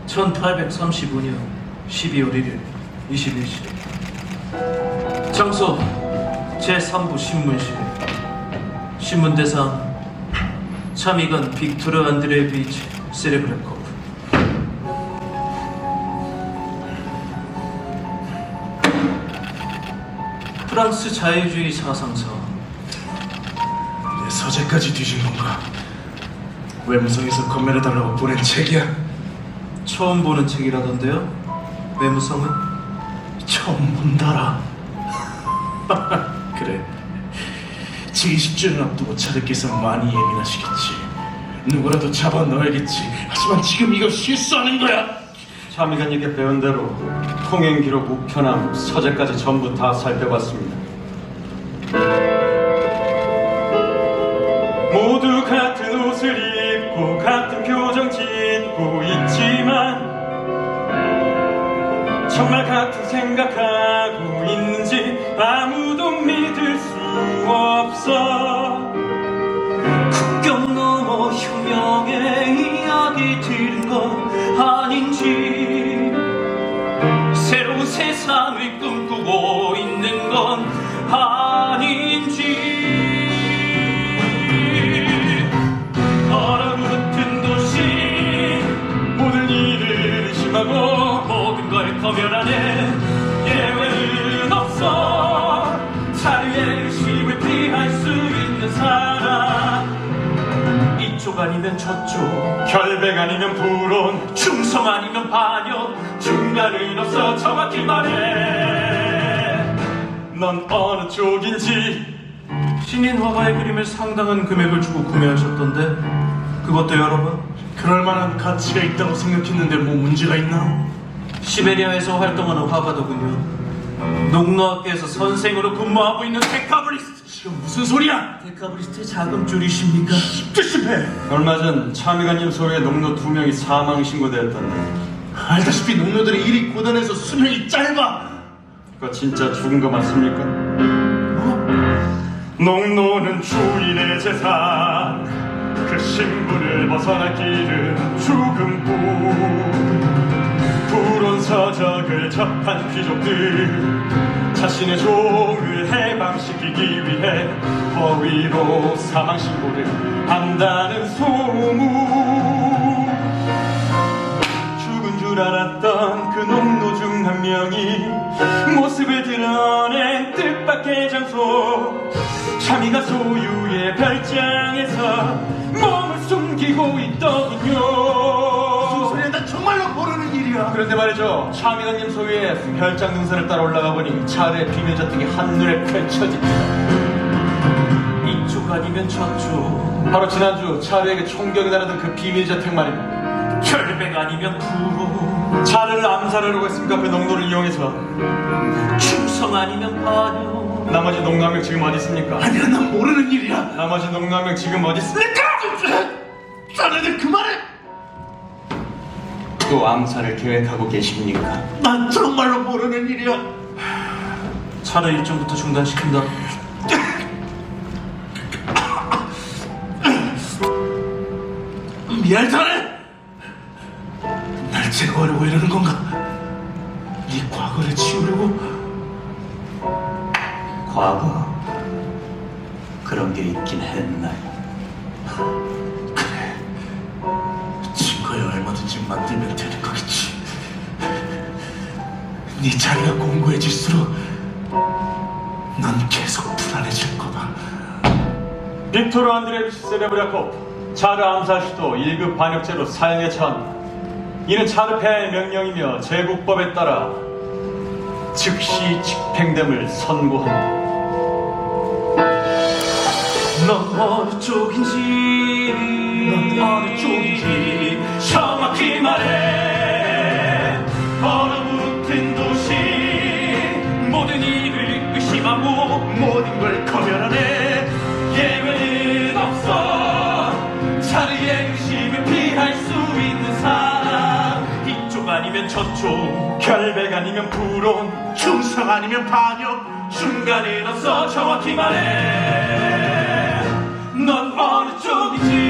1835년 12월 1일 21시 장소 제3부 신문실 신문 대상 참의관 빅토르 안드레비치 세레브레코프. 프랑스 자유주의 사상사. 내 서재까지 뒤진 건가? 외무성에서 건멸해달라고 보낸 책이야. 처음 보는 책이라던데요? 외무성은? 처음 본다라. 그래, 제20주년 앞두고 차르께서 많이 예민하시겠지. 누구라도 잡아 넣어야겠지. 하지만 지금 이거 실수하는 거야. 참의관님께 배운 대로 통행 기록 우편함 서재까지 전부 다 살펴봤습니다. 모두 같은 옷을 입고 같은 표정 짓고 있지만 정말 같은 생각하고 있는지 아무도 믿을 수 없어. 국경 넘어 혁명의 이야기 들은 건 아닌지, 새로운 세상을 꿈꾸고 있는 건 아닌지. 얼어붙은 도시 모든 일을 의심하고 모든 걸 거절하네. 예외는 없어. 자유의 의심을 피할 수 있는 사람. 이쪽 아니면 저쪽, 결백 아니면 불온, 충성 아니면 반역, 중간은 없어. 정확히 말해, 넌 어느 쪽인지. 신인 화가의 그림을 상당한 금액을 주고 구매하셨던데 그것도 여러 번? 그럴 만한 가치가 있다고 생각했는데 뭐 문제가 있나? 시베리아에서 활동하는 화가더군요. 농노학교에서 선생으로 근무하고 있는 데카브리스트. 지금 무슨 소리야? 데카브리스트의 작은 줄이십니까? 조심해. 얼마 전 참의관님 소유의 농노 2명이 사망 신고되었던데 알다시피 농노들의 일이 고단해서 수명이 짧아. 그거 진짜 죽은 거 맞습니까? 농노는 주인의 재산, 그 신분을 벗어날 길은 죽음뿐. 불온 서적을 접한 귀족들 자신의 종을 해방시키기 위해 허위로 사망 신고를 한다는 소문. 죽은 줄 알았던 그 농노 중 한 명이 모습을 드러낸 뜻밖의 장소, 참의가 소유의 별장에서 몸을 숨기고 있더군요. 무슨 소리야? 나 정말로 모르는 일이야. 그런데 말이죠, 참의관님 소유의 별장 능선을 따라 올라가 보니 차례 비밀 저택이 한눈에 펼쳐집니다. 이쪽 아니면 저쪽, 바로 지난주 차례에게 총격이 나르던 그 비밀 저택 말입니다. 결백 아니면 불호, 차를 암살하려고 했습니까? 그 농도를 이용해서. 충성 아니면 반역. 나머지 농노 한 명 지금 어디 있습니까? 아니야, 난 모르는 일이야. 나머지 농노 한 명 지금 어디 있습니까? 자네들 그만해. 또 암살을 계획하고 계십니까? 난 정말로 모르는 일이야. 차를 일정부터 중단시킨다. 미안, 자네. 날 제거하려고 이러는 건가? 네 과거를 지우려고? 과거? 그런 게 있긴 했나요? 그래, 증거에 얼마든지 만들면 되는 거겠지. 네 자리가 공고해질수록 넌 계속 불안해질 거다. 빅토르 안드레비치 세레브리아코프, 차르 암살 시도 1급 반역죄로 사형에 처한다. 이는 차르 폐하의 명령이며 제국법에 따라 즉시 집행됨을 선고한다. 넌 어느 쪽인지, 넌 어느 쪽인지 정확히 말해. 얼어붙은 도시 모든 일을 의심하고 모든 걸 거절하네. 예외는 없어. 자리의 의심을 피할 수 있는 사람. 이쪽 아니면 저쪽, 결백 아니면 불온, 충성 아니면 반역. 중간은 없어. 정확히 말해, 넌 어느 쪽인지.